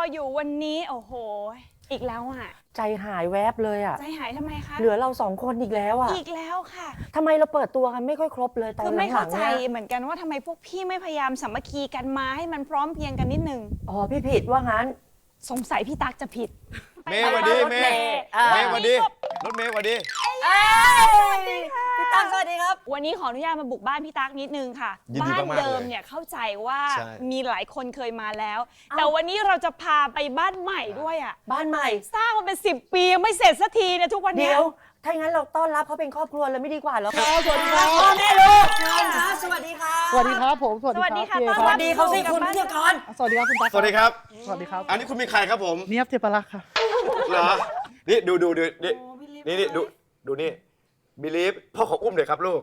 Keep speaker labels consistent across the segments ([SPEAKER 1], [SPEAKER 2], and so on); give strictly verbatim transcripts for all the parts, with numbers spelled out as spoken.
[SPEAKER 1] อยู่วันนี้โอ้โหอีกแล้วอ่ะ
[SPEAKER 2] ใจหายแวบเลยอ่ะ
[SPEAKER 1] ใจหายทำไมคะ
[SPEAKER 2] เหลือเราสองคนอีกแล้วอ่ะ
[SPEAKER 1] อีกแล้วค่ะ
[SPEAKER 2] ทำไมเราเปิดตัวกันไม่ค่อยครบเลยตอนหลังๆ
[SPEAKER 1] คือไม่เข้าใจ
[SPEAKER 2] นี่ย
[SPEAKER 1] เหมือนกันว่าทำไมพวกพี่ไม่พยายามสามัคคีกันมาให้มันพร้อมเพรียงกันนิดนึง
[SPEAKER 2] อ๋อพี่ผิดว่างั้น
[SPEAKER 1] สงสัยพี่ตั๊กจะผิด
[SPEAKER 3] เมย์สวัสดีเมย์เมย์สวัสดีรถเมย์สวัสดี
[SPEAKER 2] พี่ตั้งสวัสดีครับ
[SPEAKER 1] วันนี้ขออนุญาตมาบุกบ้านพี่ตั๊กนิดนึงค่ะบ้านเดิมเนี่ยเข้าใจว่ามีหลายคนเคยมาแล้วแต่วันนี้เราจะพาไปบ้านใหม่ด้วยอ่ะ
[SPEAKER 2] บ้านใหม่
[SPEAKER 1] สร้างมาเป็นสิบปียังไม่เสร็จสักทีเนี่ยทุกวันนี้
[SPEAKER 2] เดี๋ยวถ้าอย่างนั้นเราต้อนรับเขาเป็นครอบครัวเลยไม่ดีกว่าเหรอ
[SPEAKER 4] ครับสวัสดีครับ
[SPEAKER 2] พ่อแม่ลูกสวัสดีค่ะ
[SPEAKER 4] สวัสดีครับผม
[SPEAKER 1] สวัสดีค่ะ
[SPEAKER 2] สวัสดีเขาสิคุณพิธีกร
[SPEAKER 4] สวัสดีครับคุณตั๊ก
[SPEAKER 3] สวัสดีครับ
[SPEAKER 4] สวัสดีครับ
[SPEAKER 3] อันนี้คุณมีใครครับผม
[SPEAKER 4] เนียบเทพรักษ์ค่ะ
[SPEAKER 3] เหรอนี่ดูดูดูนี่นี่นี่ดูดูนี่บิลีฟพ่อขออุ้มหน่อยครับลูก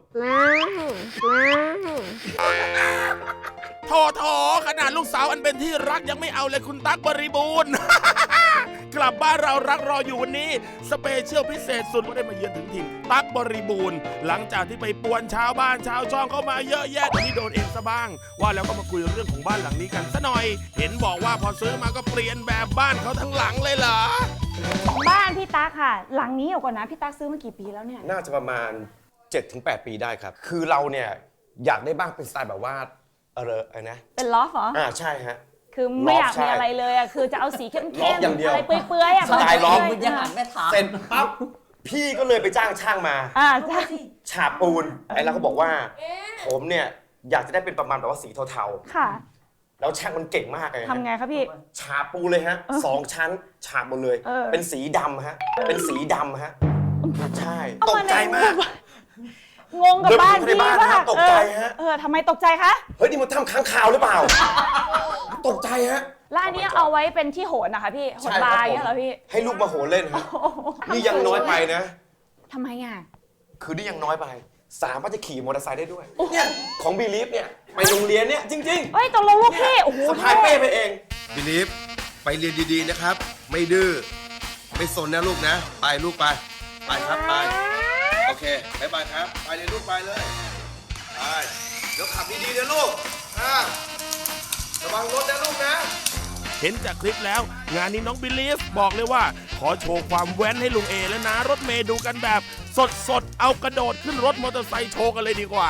[SPEAKER 5] โถโถขนาดลูกสาวอันเป็นที่รักยังไม่เอาเลยคุณตั๊กบริบูรณ์ กลับบ้านเรารักรออยู่วันนี้สเปเชียลพิเศษสุดว่าได้มาเยือนถึงถิ่นตั๊กบริบูรณ์หลังจากที่ไปป่วนชาวบ้านชาวช่องเข้ามาเยอะแยะที่โดนเองซะบ้างว่าแล้วก็มาคุยเรื่องของบ้านหลังนี้กันซะหน่อยเห็นบอกว่าพอซื้อมาก็เปลี่ยนแบบบ้านเขาทั้งหลังเลยเหรอ
[SPEAKER 1] บ้านพี่ตั๊กค่ะหลังนี้เอาก่อนนะพี่ตั๊กซื้อมากี่ปีแล้วเนี่ย
[SPEAKER 3] น่าจะประมาณ เจ็ดถึงแปด ปีได้ครับคือเราเนี่ยอยากได้บ้านเป็นสไตล์แบบว่าเอออะไรนะ
[SPEAKER 1] เป็นลอฟเหรอ
[SPEAKER 3] อ่าใช่ฮะ
[SPEAKER 1] คือไม่อยากมีอะไรเลยอ่ะคือจะเอาสีเข้มๆอะไรเปื่อยๆอ่ะ
[SPEAKER 3] สไตล์ล็อก
[SPEAKER 2] ยังหันแม่ถาม
[SPEAKER 3] เสร็จปั๊บพี่ก็เลยไปจ้างช่างมา
[SPEAKER 1] อ่าใช่
[SPEAKER 3] ฉาบปูนไอ้เราก็บอกว่าผมเนี่ยอยากจะได้เป็นประมาณแบบว่าสีเทา
[SPEAKER 1] ๆค่ะ
[SPEAKER 3] แล้วช่างมันเก่งมากเลย
[SPEAKER 1] ทำไงครับพี่
[SPEAKER 3] ฉาบปูเลยฮะสองชั้นฉาบหมดเลยเป็นสีดำฮะเป็นสีดำฮะใช่ตกใจมาก
[SPEAKER 1] งงกับบ้านพี่ป่ะ
[SPEAKER 3] ตกใจฮะ
[SPEAKER 1] เออทำไมตกใจคะ
[SPEAKER 3] เฮ้ยนี่มันทำค้างคาวหรือเปล่าตกใจฮะ
[SPEAKER 1] ร้านนี้เอาไว้เป็นที่โหนนะคะพี่โหนบาร์เนี่ยเหรอพี่
[SPEAKER 3] ให้ลูกมาโหนเล่นฮะนี่ยังน้อยไปนะ
[SPEAKER 1] ทำไมอ่ะ
[SPEAKER 3] คือนี่ยังน้อยไปสามารถจะขี่มอเตอร์ไซค์ได้ด้วยเนี่ยของบีลีฟเนี่ยไปโรงเรียนเนี่ยจริงๆ
[SPEAKER 1] เฮ้ยตกลงลูกพี่โอ้โห
[SPEAKER 3] สะพายเป้ไปเองบีลีฟไปเรียนดีๆนะครับไม่ดื้อไม่สนนะลูกนะไปลูกไปไปครับไปโอเคบายบายครับไปเลยลูกไปเลยไปเดี๋ยวขับดีๆนะลูกระวังรถนะลูกนะ
[SPEAKER 5] เห็นจากคลิปแล้วงานนี้น้องบิลีฟบอกเลยว่าขอโชว์ความแว้นให้ลุงเอและนะรถเมย์ดูกันแบบสดๆเอากระโดดขึ้นรถมอเตอร์ไซค์โชว์กันเลยดีกว่า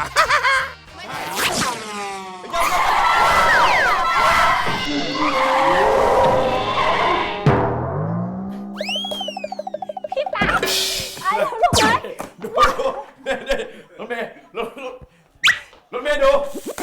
[SPEAKER 1] พี่ตาไอ้ลูกไหม
[SPEAKER 3] ดูรถเมย์รถรถเมย์ดู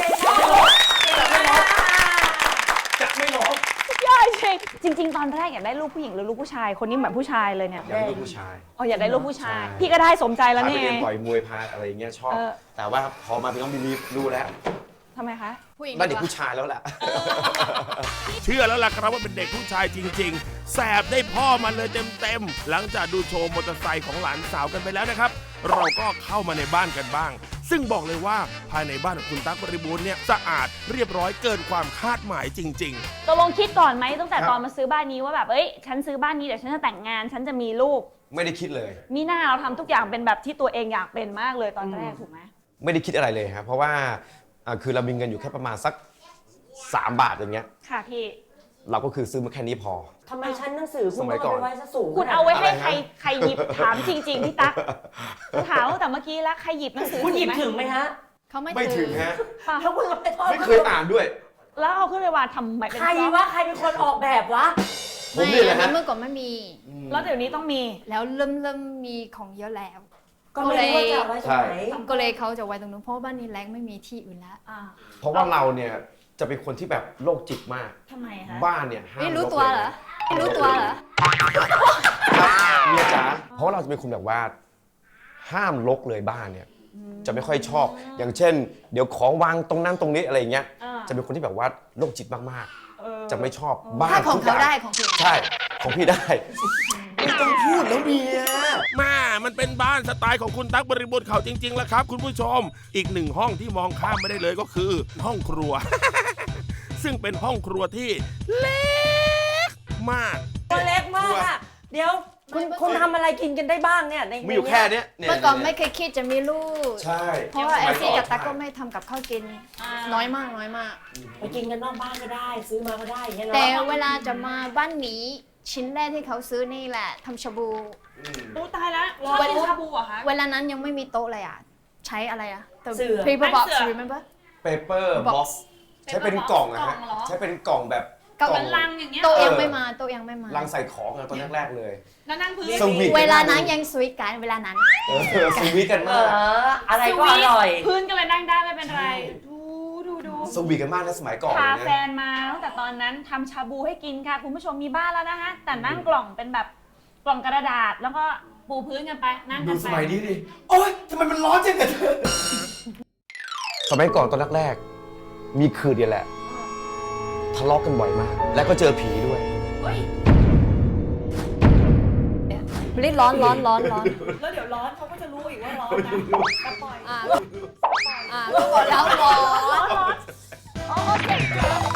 [SPEAKER 3] จะไม่ร้อง
[SPEAKER 1] ยอดจริงจริงๆตอนแรกอยากได้ลูกผู้หญิงหรือลูกผู้ชายคนนี้เหมือนผู้ชายเลยเนี่ย
[SPEAKER 3] อยากได้ลูกผู้ชาย
[SPEAKER 1] อ๋ออยากได้ลูกผู้ชายพี่ก็ได้สมใจแล้วนี่
[SPEAKER 3] ไงต่อยมวยพาอะไรอย่างเงี้ยชอบแต่ว่าพอมาเป็นน้องบิลีฟรู้แล้ว
[SPEAKER 1] ทำไมคะ
[SPEAKER 3] ได้เด็กผู้ชายแล้วแหละ
[SPEAKER 5] เชื่อแล้วล่ะครับว่าเป็นเด็กผู้ชายจริงๆแสบได้พ่อมาเลยเต็มๆหลังจากดูโชว์มอเตอร์ไซค์ของหลานสาวกันไปแล้วนะครับเราก็เข้ามาในบ้านกันบ้างซึ่งบอกเลยว่าภายในบ้านของคุณตั๊กบริบูรณ์เนี่ยสะอาดเรียบร้อยเกินความคาดหมายจริง
[SPEAKER 1] ๆตกลงคิดก่อนไหมตั้งแต่ตอนมาซื้อบ้านนี้ว่าแบบเอ้ยฉันซื้อบ้านนี้เดี๋ยวฉันจะแต่งงานฉันจะมีลูก
[SPEAKER 3] ไม่ได้คิดเลย
[SPEAKER 1] มีหน้าเราทำทุกอย่างเป็นแบบที่ตัวเองอยากเป็นมากเลยตอนแรกถูกไหม
[SPEAKER 3] ไม่ได้คิดอะไรเลยครับเพราะว่าคือเรามีเงินอยู่แค่ประมาณสักสามบาทอย่างเงี้ย
[SPEAKER 1] ค่ะพี่
[SPEAKER 3] เราก็คือซื้อมาแค่นี้พอ
[SPEAKER 2] ทำไมชั้นหนังสือคุณเอาไว้ซะสูง
[SPEAKER 1] คุณเอาไว้ให้ใครใครหยิบถามจริงๆพี่ตั๊กถามแต่เมื่อกี้แล้วใครหยิบหนังสือ
[SPEAKER 2] คุณหยิบถึงไหมฮะ
[SPEAKER 1] เขาไม่
[SPEAKER 3] ไม่ถึงฮะ
[SPEAKER 2] แล้วคุณไปทอด
[SPEAKER 3] ไม่เคยอ่านด้วย
[SPEAKER 1] แล้วเอาขึ้นไปวางทำไมเป็น
[SPEAKER 2] ใครวะใครเป็นคนออกแบบวะ
[SPEAKER 3] ผมนี่แหละฮะ
[SPEAKER 6] เมื่อก่อนไม่มี
[SPEAKER 1] แล้วเดี๋ยวนี้ต้องมี
[SPEAKER 6] แล้วเริ่มเริ่มมีของเยอะแล้ว
[SPEAKER 2] ก็เลยจะไว้ตรงไหน
[SPEAKER 6] ก็เลยเขาจะไว้ตรงนู้นเพราะบ้านนี้แรงไม่มีที่อื่นแล้ว
[SPEAKER 3] เพราะว่าเราเนี่ยจะเป็นคนที่แบบโรคจิตมาก
[SPEAKER 1] ทำไมคะ
[SPEAKER 3] บ้านเนี่ยห้าม
[SPEAKER 6] ไม่รู้ตัวเหรอไม่รู้ตัวเหรอ
[SPEAKER 3] เมียจ๋าเพราะเราจะเป็นคนแบบว่าห้ามรกเลยบ้านเนี่ยจะไม่ค่อยชอบอย่างเช่นเดี๋ยวของวางตรงนั้นตรงนี้อะไรอย่างเงี้ยจะเป็นคนที่แบบว่าโรคจิตมากๆจะไม่ชอบบ้าน
[SPEAKER 6] ของเขาได้ของพี่
[SPEAKER 3] ใช่ของพี่ได้ไม่ต้องพูดแล้วเมีย
[SPEAKER 5] มามันเป็นบ้านสไตล์ของคุณตั๊กบริบูรณ์เขาจริงๆแล้วครับคุณผู้ชมอีกหนึ่งห้องที่มองข้ามไม่ได้เลยก็คือห้องครัว ซึ่งเป็นห้องครัวที่เล็กมาก
[SPEAKER 2] เล็กมากอะเดี๋ยวคุณคุณทำอะไรกินกันได้บ้างเนี่ยใน
[SPEAKER 3] มีอยู่แค่เนี้ยเนี่ย
[SPEAKER 6] เมื่อก่อนไม่เคยคิดจะมีลูก
[SPEAKER 3] ใช่
[SPEAKER 6] เพราะว่าแอ
[SPEAKER 3] สมั
[SPEAKER 6] ล
[SPEAKER 3] ย
[SPEAKER 6] ซี่
[SPEAKER 3] อน
[SPEAKER 6] กับตั๊กก็ไม่ทำกับข้าวกิน น้อยมากน้อยมาก
[SPEAKER 2] ไปกินกันนอกบ้านก็ได้ ซื้อมาก็ได้อย่างเงี้ยเนาะ
[SPEAKER 6] แต่เวลาจะมาบ้านนี้ชิ้นแรกที่เขาซื้อนี่แหละทำชาบู
[SPEAKER 3] อืม
[SPEAKER 1] อู้ตายแล้วชอบกินชาบูเหรอคะ
[SPEAKER 6] เวลานั้นยังไม่มีโต๊ะเลยอ่ะ ใช้อะไรอ่ะ
[SPEAKER 2] เสื่อ
[SPEAKER 6] paper box
[SPEAKER 1] เสื่อ
[SPEAKER 6] remember
[SPEAKER 3] paper
[SPEAKER 6] box
[SPEAKER 3] box ใช้เป็นกล่องอะฮะ
[SPEAKER 1] กล่องเหรอ
[SPEAKER 3] ใช้เป็นกล่องแบบ
[SPEAKER 6] กล่อง
[SPEAKER 1] เหมือนลังอย่างเงี้ย
[SPEAKER 6] โต๊ะ
[SPEAKER 3] เออ
[SPEAKER 6] ยังไม่มาโต๊ะยังไม่มา
[SPEAKER 3] ลังใส่ของอะตอนแรกๆเลย
[SPEAKER 1] แล้วนั่งพื้น
[SPEAKER 3] สวีท
[SPEAKER 6] เวลานั้นยังสวีทกันเวลานั้น
[SPEAKER 3] เออสวีทกัน
[SPEAKER 2] เอ
[SPEAKER 3] มาก
[SPEAKER 2] ออะไรก็อร่อย
[SPEAKER 1] พื้นก็เลยนั่งได้ไม่เป็นไร
[SPEAKER 3] ใช่
[SPEAKER 1] ดูดูดู
[SPEAKER 3] สวีทกันมากนะสมัยก่อน
[SPEAKER 1] พา
[SPEAKER 3] เลย
[SPEAKER 1] แฟ
[SPEAKER 3] นะ
[SPEAKER 1] นมาตั้งแต่ตอนนั้นทำชาบูให้กินค่ะ คุณผู้ชมมีบ้านแล้วนะคะแต่นั่งกล่องเป็นแบบกล่องกระดาษแล้วก็ปูพื้นกันไปนั่ง
[SPEAKER 3] ดู
[SPEAKER 1] กัน
[SPEAKER 3] ส
[SPEAKER 1] ไป
[SPEAKER 3] มัยนี้ดิ โอ๊ยทำไมมันร้อนจังอะเธอสมัยก่อนตอนแรกๆ มีคืนเดียวแหละ ทะเลาะกันบ่อยมาก แล้วก็เจอผีด้วย
[SPEAKER 1] เฮ้ย
[SPEAKER 6] รีบร้อนร้อนร้อนร้อน
[SPEAKER 1] แล้วเดี๋ยวร้อนเขาก็จะรู้อีกว่าร้อนนะก็ปล่อย
[SPEAKER 6] อ่าอ่าก็บอกแล้วร้อน
[SPEAKER 1] ร้อนร้อนโอเค